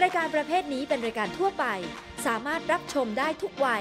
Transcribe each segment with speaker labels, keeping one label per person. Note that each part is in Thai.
Speaker 1: ายการประเภทนี้เป็นรายการทั่วไปสามารถรับชมได้ทุกวัย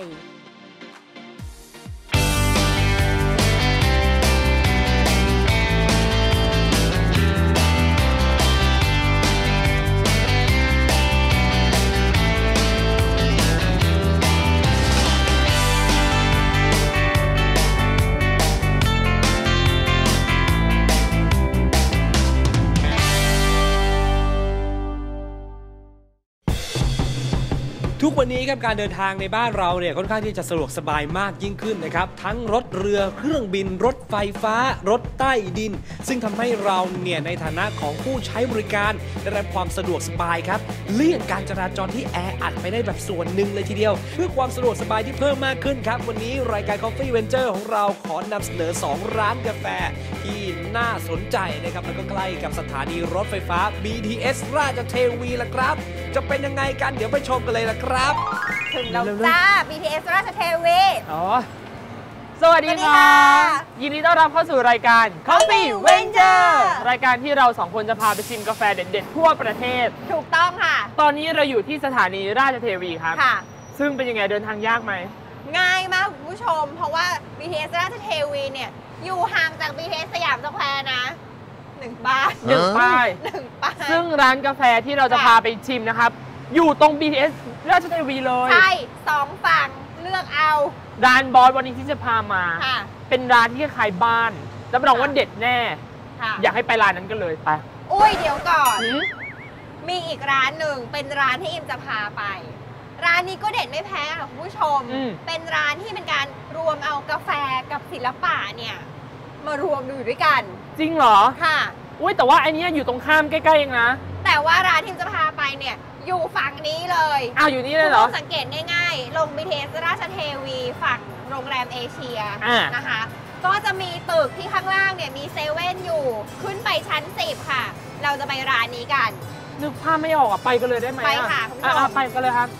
Speaker 2: ทุกวันนี้ครับการเดินทางในบ้านเราเนี่ยค่อนข้างที่จะสะดวกสบายมากยิ่งขึ้นนะครับทั้งรถเรือเครื่องบินรถไฟฟ้ารถใต้ดินซึ่งทำให้เราเนี่ยในฐานะของผู้ใช้บริการได้รับความสะดวกสบายครับเลี่ยงการจราจรที่แออัดไปได้แบบส่วนหนึ่งเลยทีเดียวเพื่อความสะดวกสบายที่เพิ่มมากขึ้นครับวันนี้รายการ Coffee Venture ของเราขอนำเสนอ2ร้านกาแฟที่น่าสนใจนะครับแล้วก็ใกล้กับสถานีรถไฟฟ้า BTS ราชเทวีละครับจะเป็นยังไงกันเดี๋ยวไปชมกันเลยละครับ
Speaker 3: ถึงแล้วจ้า BTS ราชเทวี
Speaker 4: สวัสดีค่ะยินดีต้อนรับเข้าสู่รายการ Coffee Venture รายการที่เรา2คนจะพาไปชิมกาแฟเด็ดๆทั่วประเทศ
Speaker 3: ถูกต้องค่ะ
Speaker 4: ตอนนี้เราอยู่ที่สถานีราชเทวีครับ
Speaker 3: ค่ะ
Speaker 4: ซึ่งเป็นยังไงเดินทางยากไหม
Speaker 3: ง่ายมากคุณผู้ชมเพราะว่า BTS ราชเทวีเนี่ยอยู่ห่างจาก BTS สยามสแควร์นะ1 ป้าย
Speaker 4: 1 ป้ายซึ่งร้านกาแฟที่เราจะพาไปชิมนะครับอยู่ตรง BTS ราชเทวีเลย
Speaker 3: ใช่2 ฝั่งเลือกเอา
Speaker 4: ร้านบอสวันนี้ที่จะพามาเป็นร้านที่คล้ายบ้านรับรองว่าเด็ดแน่อยากให้ไปร้านนั้นกันเลยไป
Speaker 3: อุ้ยเดี๋ยวก่อนมีอีกร้านหนึ่งเป็นร้านที่อิมจะพาไปร้านนี้ก็เด็ดไม่แพ้ค่ะคุณผู้ชมเป็นร้านที่เป็นการรวมเอากาแฟกับศิลปะเนี่ยมารวมอยู่ด้วยกัน
Speaker 4: จริงเหรอ
Speaker 3: ค่ะ
Speaker 4: อุ้ยแต่ว่าไอเนี้ยอยู่ตรงข้ามใกล้ๆเองนะ
Speaker 3: แต่ว่าร้านที่จะพาไปเนี่ยอยู่ฝั่งนี้เลย
Speaker 4: อยู่นี่เลยเหรอ
Speaker 3: สังเกตง่ายๆลง BTS ราชเทวีฝั่งโรงแรมเอเชียนะคะก็จะมีตึกที่ข้างล่างเนี่ยมีเซเว่นอยู่ขึ้นไปชั้น10ค่ะเราจะไปร้านนี้กัน
Speaker 4: นึกภาพไม่ออกไปกันเลยได้ไหม
Speaker 3: ไปค่ะคุณผู้ชม
Speaker 4: ไปกันเลยครับ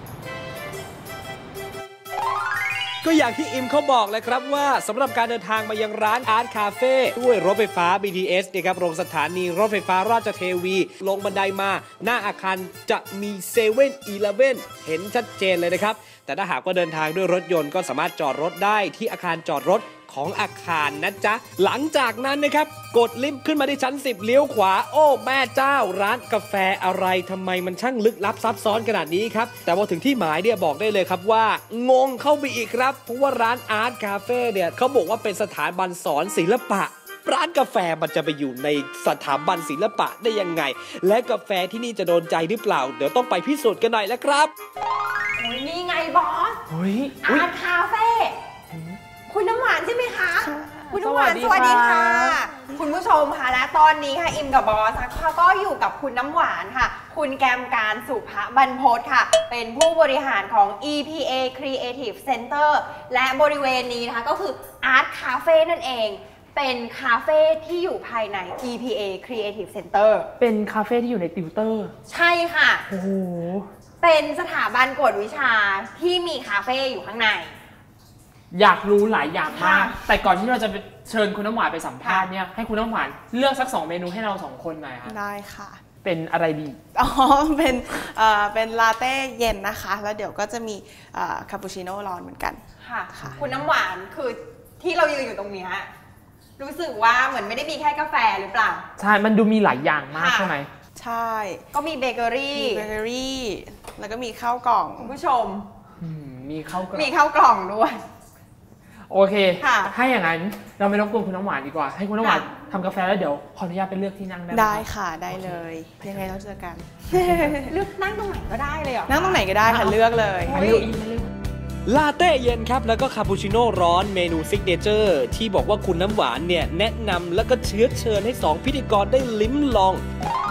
Speaker 2: ก็อย่างที่อิมเขาบอกเลยครับว่าสำหรับการเดินทางมายังร้านอาร์ตคาเฟ่ด้วยรถไฟฟ้า BTS นะครับลงสถานีรถไฟฟ้าราชเทวีลงบันไดมาหน้าอาคารจะมีเซเว่นอีเลฟเว่นเห็นชัดเจนเลยนะครับแต่ถ้าหากว่าเดินทางด้วยรถยนต์ก็สามารถจอดรถได้ที่อาคารจอดรถของอาคารนะจ๊ะหลังจากนั้นนะครับกดลิฟต์ขึ้นมาที่ชั้น10เลี้ยวขวาโอ้แม่เจ้าร้านกาแฟอะไรทำไมมันช่างลึกลับซับซ้อนขนาดนี้ครับแต่พอถึงที่หมายเนี่ยบอกได้เลยครับว่างงเข้าไปอีกครับเพราะว่าร้านอาร์ตคาเฟ่เนี่ยเขาบอกว่าเป็นสถาบันสอนศิลปะร้านกาแฟมันจะไปอยู่ในสถาบันศิลปะได้ยังไงและกาแฟที่นี่จะโดนใจหรือเปล่าเดี๋ยวต้องไปพิสูจน์กันหน่อยแล้วครับ
Speaker 3: โอ้ยนี่ไงบอสอาร์ตคาเฟ่คุณน้ำหวานใช่ไหมคะคุณน้ำหวานสวัสดีค่ะคุณผู้ชมค่ะและตอนนี้ค่ะอิมกับบอสค่ะก็อยู่กับคุณน้ำหวานค่ะคุณแกมการสุภบรรพตค่ะเป็นผู้บริหารของ EPA Creative Center และบริเวณนี้นะคะก็คือ Art Cafe นั่นเองเป็นคาเฟ่ที่อยู่ภายใน EPA Creative Center
Speaker 4: เป็นคาเฟ่ที่อยู่ในติวเตอร์
Speaker 3: ใช่ค่ะ
Speaker 4: โอ้โห
Speaker 3: เป็นสถาบันกวดวิชาที่มีคาเฟ่อยู่ข้างใน
Speaker 4: อยากรู้หลายอย่างมากแต่ก่อนที่เราจะเชิญคุณน้ำหวานไปสัมภาษณ์เนี่ยให้คุณน้ำหวานเลือกสัก2 เมนูให้เรา2 คนหน่อยค่ะ
Speaker 5: ได้ค่ะ
Speaker 4: เป็นอะไรดี
Speaker 5: เป็นลาเต้เย็นนะคะแล้วเดี๋ยวก็จะมีคาปูชิโน่ร้อนเหมือนกัน
Speaker 3: ค่ะคุณน้ำหวานคือที่เรายืนอยู่ตรงนี้รู้สึกว่าเหมือนไม่ได้มีแค่กาแฟหรือเปล่า
Speaker 4: ใช่มันดูมีหลายอย่างมากใช่ไหม
Speaker 5: ใช่
Speaker 3: ก็มีเบเกอรี่
Speaker 5: แล้วก็มีข้าวกล่อง
Speaker 3: คุณผู้ชม
Speaker 4: มีข้าวก
Speaker 3: ล่องด้วย
Speaker 4: โอเคถ้าอย่างนั้นเราไม่รบกวนคุณน้ำหวานดีกว่าให้คุณน้ำหวานทำกาแฟแล้วเดี๋ยวขออนุญาตไปเลือกที่นั่งได้ไหม
Speaker 5: ได้ค่ะได้เลยยังไงเราเจอกัน
Speaker 3: เลือกนั่งตรงไหนก็ได้เลยเหรอ
Speaker 5: นั่งตรงไหนก็ได้ค่ะเลือกเลย
Speaker 2: ลาเต้เย็นครับแล้วก็คาปูชิโน่ร้อนเมนูซิกเนเจอร์ที่บอกว่าคุณน้ำหวานเนี่ยแนะนำแล้วก็เชิญให้2พิธีกรได้ลิ้มลอง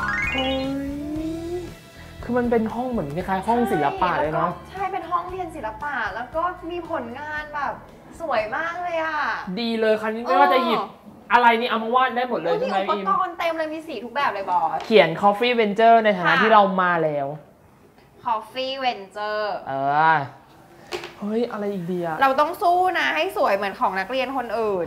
Speaker 4: คือมันเป็นห้องเหมือนคล้ายๆห้องศิลปะเลยเนาะ
Speaker 3: ใช่เป็นห้องเรียนศิลปะแล้วก็มีผลงานแบบสวยมากเลยอ่ะ
Speaker 4: ดีเลยครั้นี้ไม่ว่าจะหยิบอะไรนี่เอามาวาดได้หมดเลย
Speaker 3: ใช่ไหมอิมอุปกรณ์เต็มเลยมีสีทุกแบบเลยบอส
Speaker 4: เขียน Coffee Venture ในฐานะที่เรามาแล้ว
Speaker 3: Coffee Venture
Speaker 4: เฮ้ยอะไรอีกดีอะ
Speaker 3: เราต้องสู้นะให้สวยเหมือนของนักเรียนคนอื่น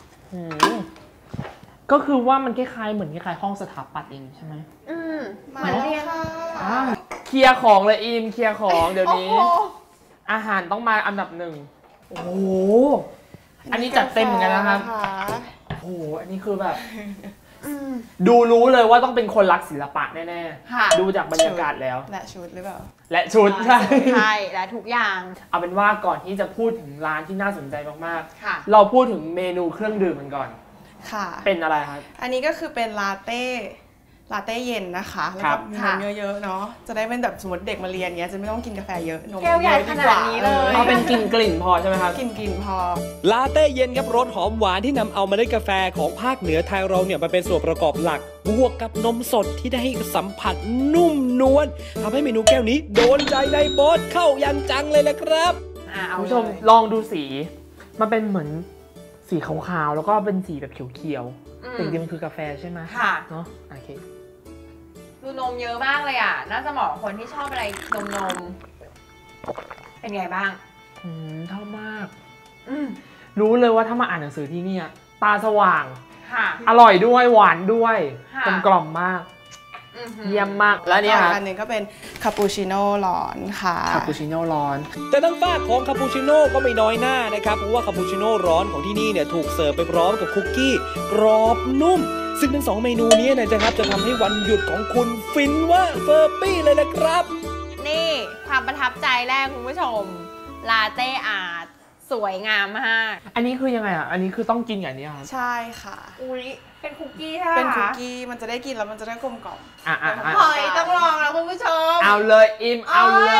Speaker 4: ก็คือว่ามันคล้ายๆเหมือนคล้ายๆห้องสถาปัตย์เองใช่ไหม
Speaker 3: เหมือนเรียน
Speaker 4: เคลียร์ของเลยอิมเคลียร์ของเดี๋ยวนี้
Speaker 3: โอ้โห
Speaker 4: อาหารต้องมาอันดับหนึ่งโอ้โหอันนี้จัดเต็มเหมือนกันนะครับโอ้โหอันนี้คือแบบดูรู้เลยว่าต้องเป็นคนรักศิลปะแน่
Speaker 3: ค่ะ
Speaker 4: ๆดูจากบรรยากาศแล้ว
Speaker 5: และชุดหรือเปล่า
Speaker 4: และชุดใช่
Speaker 3: ใช่และทุกอย่าง
Speaker 4: เอาเป็นว่าก่อนที่จะพูดถึงร้านที่น่าสนใจมาก
Speaker 3: ค่ะ
Speaker 4: ๆเราพูดถึงเมนูเครื่องดื่มกันก่อน
Speaker 5: ค่ะ
Speaker 4: เป็นอะไรครับ
Speaker 5: อันนี้ก็คือเป็นลาเต้เย็นนะคะแล้ว
Speaker 4: ครั
Speaker 5: ก็
Speaker 4: บ
Speaker 5: มีนมเยอะๆเนาะจะได้เป็นแบบสมมติเด็กมาเรียนเงี้ยจะไม่ต้องกินกาแฟเยอะนม
Speaker 3: แก้วใหญ่
Speaker 5: เยอะ
Speaker 3: ขนาดนี้เลย
Speaker 4: เอาเป็นกลิ่นพอใช่ไหมครับ
Speaker 5: กินพอ
Speaker 2: ลาเต้เย็นครับรสหอมหวานที่นำเอาเมล็ดกาแฟของภาคเหนือไทยเราเนี่ยมาเป็นส่วนประกอบหลักบวกกับนมสดที่ได้ให้สัมผัสนุ่มนวลทำให้เมนูแก้วนี้โดนใจในบอสเข้าอย่างจังเลยนะครับ
Speaker 3: เอา
Speaker 4: คุณ
Speaker 3: เล
Speaker 4: ผู้ชม
Speaker 3: ย
Speaker 4: ลองดูสีมันเป็นเหมือนสีขาวๆแล้วก็เป็นสีแบบเขียวๆแต่จริงๆมันคือกาแฟใช่ไหม
Speaker 3: ค่ะ
Speaker 4: เนาะโอเค
Speaker 3: ดูนมเยอะมากเลยอ่ะ น่าจะเหมาะกับคนที่ชอบอะไรนมเป็นไงบ้าง
Speaker 4: ชอบมาก รู้เลยว่าถ้ามาอ่านหนังสือที่เนี่ยตาสว่าง
Speaker 3: ค่ะ
Speaker 4: อร่อยด้วยหวานด้วย
Speaker 3: ค่ะ
Speaker 4: กลมๆมาก เยี่ยมมากแล้วเนี่ย
Speaker 5: อันหนึงก็เป็นคาปูชิโน่ร้อนค่ะ
Speaker 4: คาปูชิโน่ร้อน
Speaker 2: แต่ทางฝ้ากของคาปูชิโน่ก็ไม่น้อยหน้านะครับเพราะว่าคาปูชิโน่ร้อนของที่นี่เนี่ยถูกเสิร์ฟไปพร้อมกับคุกกี้กรอบนุ่ม ซึ่งทั้ง2เมนูนี้นะครับจะทำให้วันหยุดของคุณฟินว่าเฟอร์ปี้เลยนะครับ
Speaker 3: นี่ความประทับใจแรกคุณผู้ชม ลาเต้อาร์ตสวยงามมาก
Speaker 4: อันนี้คือยังไงอ่ะอันนี้คือต้องกินอย่างนี้ครับ
Speaker 5: ใช่ค่ะ
Speaker 3: อุ้ยเป็นคุกกี้ใช่ไหม
Speaker 5: เป็นคุก
Speaker 3: คะ
Speaker 5: กี้มันจะได้กินแล้วมันจะได้กลมกล่อม
Speaker 4: อ่ะ
Speaker 3: หอยต้องลองแล้วคุณผู้ชม
Speaker 4: เอาเลยอิมเอาเลย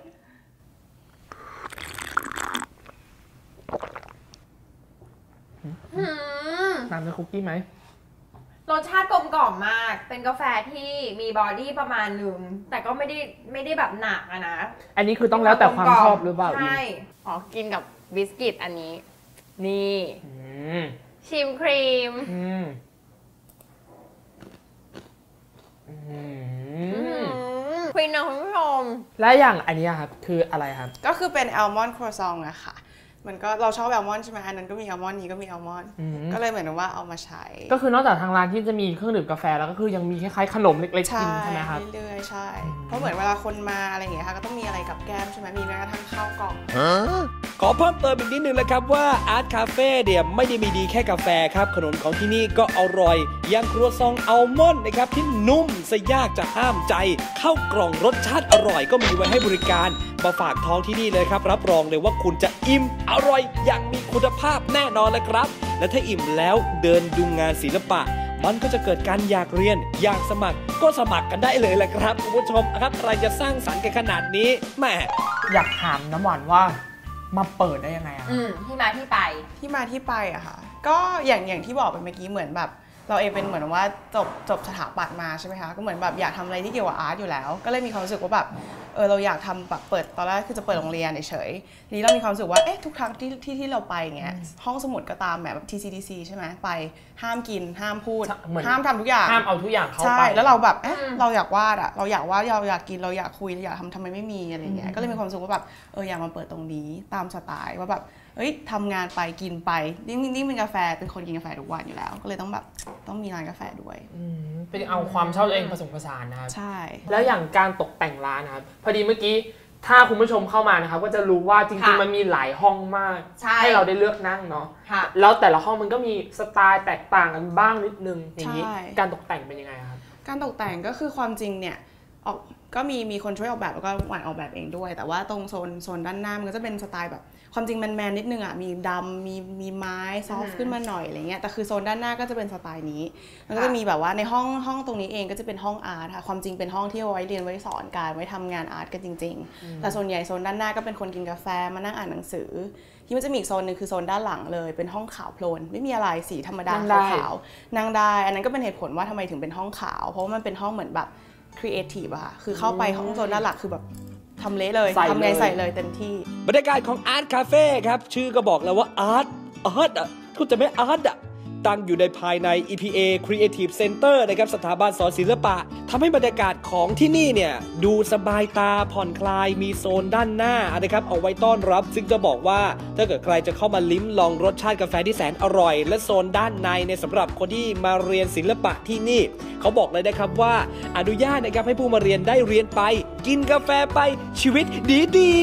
Speaker 3: หืม
Speaker 4: ตามด้วยคุกกี้ไหม
Speaker 3: รสชาติกลมกล่อมมาก เป็นกาแฟที่มีบอดี้ประมาณหนึ่งแต่ก็ไม่ได้แบบหนักอะนะ
Speaker 4: อันนี้คือต้องแล้วแต่ความชอบหรือเปล่าอิม
Speaker 3: ใช่อ๋อกินกับบิสกิตอันนี้ นี่
Speaker 4: อืม
Speaker 3: ชิมครีม
Speaker 4: อืมอืม
Speaker 3: ควีนนะคุณผู้ชม
Speaker 4: และอย่างอันนี้ครับคืออะไรครับ
Speaker 5: ก็คือเป็นแอลมอนด์ครัวซองอะค่ะมันก็เราชอบแอลมอนด์ใช่ไหมอันนั้นก็มีแอลมอนด์นี้ก็มีแอลมอนด์ก็เลยเหมือนว่าเอามาใช้
Speaker 4: ก็คือนอกจากทางร้านที่จะมีเครื่องดื่มกาแฟแล้วก็คือยังมีคล้ายๆขนมเล็กๆกินใช่ไหมครับ
Speaker 5: เรื่อยๆใช่เพราะเหมือนเวลาคนมาอะไรอย่างเงี้ยค่ะก็ต้องมีอะไรกับแก้มใช่ไหมมีแม้กระทั่งข้าวกล่อง
Speaker 2: ขอเพิ่มเติมอีกนิดนึงนะครับว่าอาร์ตคาเฟ่เนี่ยไม่ได้มีดีแค่กาแฟครับขนมของที่นี่ก็อร่อยอย่างครัวซองอัลมอนด์นะครับที่นุ่มซะยากจะห้ามใจข้าวกล่องรสชาติอร่อยก็มีไว้ให้บริการมาฝากท้องที่นี่เลยครับรับรองเลยว่าคุณจะอิ่มอร่อยอย่างมีคุณภาพแน่นอนเลยครับและถ้าอิ่มแล้วเดินดูงานศิลปะมันก็จะเกิดการอยากเรียนอยากสมัครก็สมัครกันได้เลยแหละครับคุณผู้ชมครับใครจะสร้างสรรค์กันขนาดนี้แหม
Speaker 4: อยากถามน้ำหวานว่ามาเปิดได้ยังไงอะ
Speaker 3: ที่มาที่ไป
Speaker 5: ที่มาที่ไปอะค่ะก็อย่างที่บอกไปเมื่อกี้เหมือนแบบเราเองเป็นเหมือนว่าจบสถาปัตย์มาใช่ไหมคะก็เหมือนแบบอยากทำอะไรที่เกี่ยวกับอาร์ตอยู่แล้วก็เลยมีความรู้สึกว่าแบบเราอยากทำแบบเปิดตอนแรกคือจะเปิดโรงเรียนเฉยๆทีนี้เรามีความรู้สึกว่าทุกครั้งที่เราไปเงี้ยห้องสมุดก็ตามแบบ TCDC ใช่ไหมไปห้ามกินห้ามพูดห้ามทำทุกอย่าง
Speaker 4: ห้ามเอาทุกอย่างเข้า
Speaker 5: ใช่
Speaker 4: ไป
Speaker 5: แล้วเราแบบเราอยากวาดอะเราอยากวาดเราอยากกินเราอยากคุยเราอยากทำไมไม่มีอะไรเงี้ยก็เลยมีความรู้สึกว่าแบบอยากมาเปิดตรงนี้ตามสไตล์ว่าแบบทำงานไปกินไปนี่เป็นกาแฟเป็นคนกินกาแฟทุกวันอยู่แล้วก็เลยต้องมีร้านกาแฟด้วย
Speaker 4: เป็นเอาความชอบตัวเองผสมผสานนะครับ
Speaker 5: ใช่
Speaker 4: แล้วอย่างการตกแต่งร้านนะครับพอดีเมื่อกี้ถ้าคุณผู้ชมเข้ามานะครับก็จะรู้ว่าจริง
Speaker 3: ค่ะ
Speaker 4: ๆมันมีหลายห้องมาก
Speaker 3: ใช่
Speaker 4: ให้เราได้เลือกนั่งเนาะ
Speaker 3: ค่ะ
Speaker 4: แล้วแต่ละห้องมันก็มีสไตล์แตกต่างกันบ้างนิดนึงอย่างนี้
Speaker 5: ใช่
Speaker 4: การตกแต่งเป็นยังไงครับ
Speaker 5: การตกแต่งก็คือความจริงเนี่ยก็มีคนช่วยออกแบบแล้วก็หวานออกแบบเองด้วย แต่ว่าตรงโซนด้านหน้ามันก็จะเป็นสไตล์แบบความจริงแมนนิดนึงมีดำมีไม้ซอฟต์ขึ้นมาหน่อยอะไรเงี้ยแต่คือโซนด้านหน้าก็จะเป็นสไตล์นี้มันก็จะมีแบบว่าในห้องตรงนี้เองก็จะเป็นห้องอาร์ตค่ะความจริงเป็นห้องที่เอาไว้เรียนไว้สอนการไว้ทำงานอาร์ตกันจริงๆแต่ส่วนใหญ่โซนด้านหน้าก็เป็นคนกินกาแฟมานั่งอ่านหนังสือที่มันจะมีอีกโซนหนึ่งคือโซนด้านหลังเลยเป็นห้องขาวโพลนไม่มีอะไรสีธรรมดาขาวๆนั่งได้อันนั้นก็เป็นเหตุผลว่าทำไมถึงเป็นห้องขาวเพราะว่ามันเป็นห้องเหมือนแบบครีเอทีฟอะค่ะคือเข้าไปห้องโซนด้านหลักคือแบบทำเละเลยทำไงใส่เลยเต็มที่
Speaker 2: บรรยากาศของอาร์ตคาเฟ่ครับชื่อก็บอกแล้วว่าอาร์ตอ่ะคุณจะไม่อาร์ตอ่ะตั้งอยู่ในภายใน EPA Creative Center นะครับสถาบันสอนศิลปะทำให้บรรยากาศของที่นี่เนี่ยดูสบายตาผ่อนคลายมีโซนด้านหน้านะครับเอาไว้ต้อนรับซึ่งจะบอกว่าถ้าเกิดใครจะเข้ามาลิ้มลองรสชาติกาแฟที่แสนอร่อยและโซนด้านในเนี่ยสำหรับคนที่มาเรียนศิลปะที่นี่เขาบอกเลยนะครับว่าอนุญาตนะครับให้ผู้มาเรียนได้เรียนไปกินกาแฟไปชีวิตดี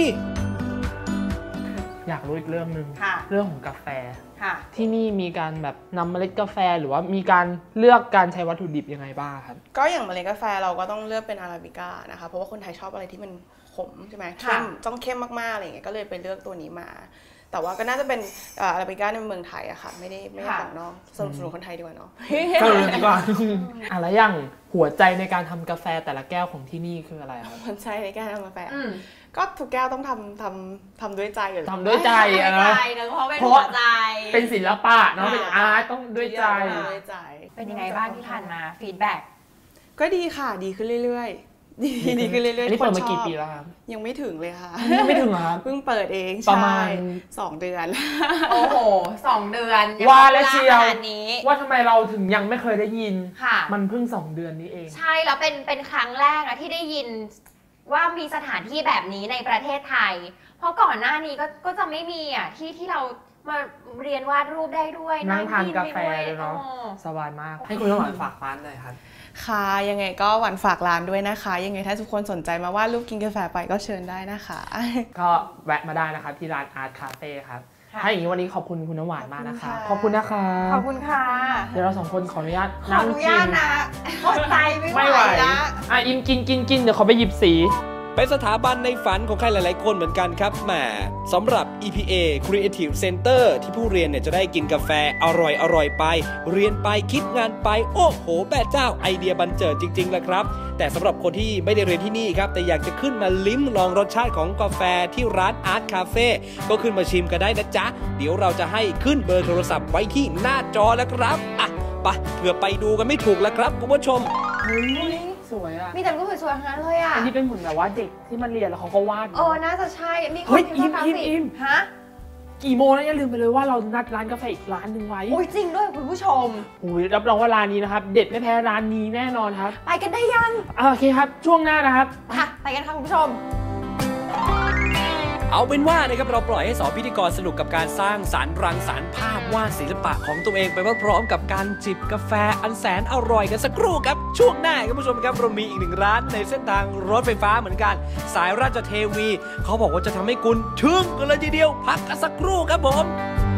Speaker 4: อยากรู้อีกเรื่องหนึ่ง
Speaker 3: ค่ะ
Speaker 4: เรื่องของกาแฟ
Speaker 3: ค่ะ
Speaker 4: ที่นี่มีการแบบนำเมล็ดกาแฟหรือว่ามีการเลือกการใช้วัตถุดิบยังไงบ้างครับ
Speaker 5: ก็อย่างเมล็ดกาแฟเราก็ต้องเลือกเป็นอาราบิก้านะคะเพราะว่าคนไทยชอบอะไรที่มันขมใช่ไหมเข้มต้องเข้มมากๆอะไรอย่างเงี้ยก็เลยไปเลือกตัวนี้มาแต่ว่าก็น่าจะเป็นอาราบิก้าในเมืองไทยอะค่ะไม่ได้ของนอกสนับสนุนคนไทยดีกว่าเนาะ
Speaker 4: ดีกว่าอะไรอย่างหัวใจในการทำกาแฟแต่ละแก้วของที่นี่คืออะไรครับ
Speaker 5: หัวใจในการทำกาแฟก็ทุกแก้วต้องทำด้วยใจอยู่
Speaker 4: ทำด้วยใจ
Speaker 3: นะเพราะเป็นหัวใจ
Speaker 4: เป็นศิลปะเนาะเป็นอาร์ตต้องด้วยใจ
Speaker 3: เป็นยังไงบ้างที่ผ่านมาฟีดแบ็ก
Speaker 5: ก็ดีค่ะดีขึ้นเรื่อยๆดีขึ้นเรื่อยๆ
Speaker 4: นี่เปิดมากี่ปีแล้วครับ
Speaker 5: ยังไม่ถึงเลยค่ะ
Speaker 4: ยังไม่ถึงครับ
Speaker 5: เพิ่งเปิดเอง
Speaker 4: ประมาณ
Speaker 5: 2 เดือน
Speaker 3: โอ้โห2 เดือน
Speaker 4: ว่าแล้วเชียวว่าทำไมเราถึงยังไม่เคยได้ยินมันเพิ่ง2 เดือนนี้เอง
Speaker 3: ใช่แล้วเป็นครั้งแรกนะที่ได้ยินว่ามีสถานที่แบบนี้ในประเทศไทยเพราะก่อนหน้านี้ก็จะไม่มีอ่ะที่เรามาเรียนวาดรูปได้ด้วย
Speaker 4: นั่งทานกาแฟเลยเนาะสบายมากให้คุณน้ำหวานฝากร้านเลยครับ
Speaker 5: ค่ะยังไงก็หวานฝากร้านด้วยนะคะยังไงถ้าทุกคนสนใจมาวาดรูปกินกาแฟไปก็เชิญได้นะคะ
Speaker 4: ก็แวะมาได้นะครับที่ร้านอาร์ตคาเฟ่ครับถ้าอย่างนี้วันนี้ขอบคุณคุณน้ำหวานมากนะคะขอบคุณนะคะ
Speaker 3: ขอบคุณค่ะ
Speaker 4: เดี๋ยวเรา2 คนขออนุญาต
Speaker 3: นั่งกินนะอดใจไม่ไหวนะ
Speaker 4: อิมกินเดี๋ยวเขาไปหยิบสี
Speaker 2: เป็นสถาบันในฝันของใครหลายๆคนเหมือนกันครับแหมสำหรับ EPA Creative Center ที่ผู้เรียนเนี่ยจะได้กินกาแฟอร่อยไปเรียนไปคิดงานไปโอ้โหแม่เจ้าไอเดียบันเจิดจริงๆแหละครับแต่สำหรับคนที่ไม่ได้เรียนที่นี่ครับแต่อยากจะขึ้นมาลิ้มลองรสชาติของกาแฟที่ร้านอาร์ตคาเฟ่ก็ขึ้นมาชิมกันได้นะจ๊ะเดี๋ยวเราจะให้ขึ้นเบอร์โทรศัพท์ไว้ที่หน้าจอแล้วครับอ่ะไปเผื่อไปดูกันไม่ถูกแล้วครับคุณผู้ชม
Speaker 4: สวยอ่ะ
Speaker 3: มีแต่รูปสวยๆทั้งนั้นเลยอ่ะ
Speaker 4: อันนี้เป็นเหมือนแบบว่าเด็กที่มันเรียนแล้วเขาก็วาด
Speaker 3: น่าจะใช่มี
Speaker 4: คนที่วาดอิม
Speaker 3: ฮะ
Speaker 4: กี่โมงแล้วอย่าลืมไปเลยว่าเรานัดร้านกาแฟอีกร้านหนึ่งไว้
Speaker 3: โอ้ยจริงด้วยคุณผู้ชม
Speaker 4: โอ้ยรับรองว่าร้านนี้นะครับเด็ดไม่แพ้ร้านนี้แน่นอนครับ
Speaker 3: ไปกันได้ยัง
Speaker 4: โอเคครับช่วงหน้านะครับ
Speaker 3: ค่ะไปกันค่ะคุณผู้ชม
Speaker 2: เอาเป็นว่านะครับเราปล่อยให้2 พิธีกรสนุกกับการสร้างสรรค์รังสรรค์ภาพวาดศิลปะของตัวเองไปพร้อมๆกับการจิบกาแฟอันแสนอร่อยกันสักครู่ครับช่วงหน้าคุณผู้ชมครับเรามีอีก1 ร้านในเส้นทางรถไฟฟ้าเหมือนกันสายราชเทวีเขาบอกว่าจะทำให้คุณทึ่งกันเลยทีเดียวพักกันสักครู่ครับผม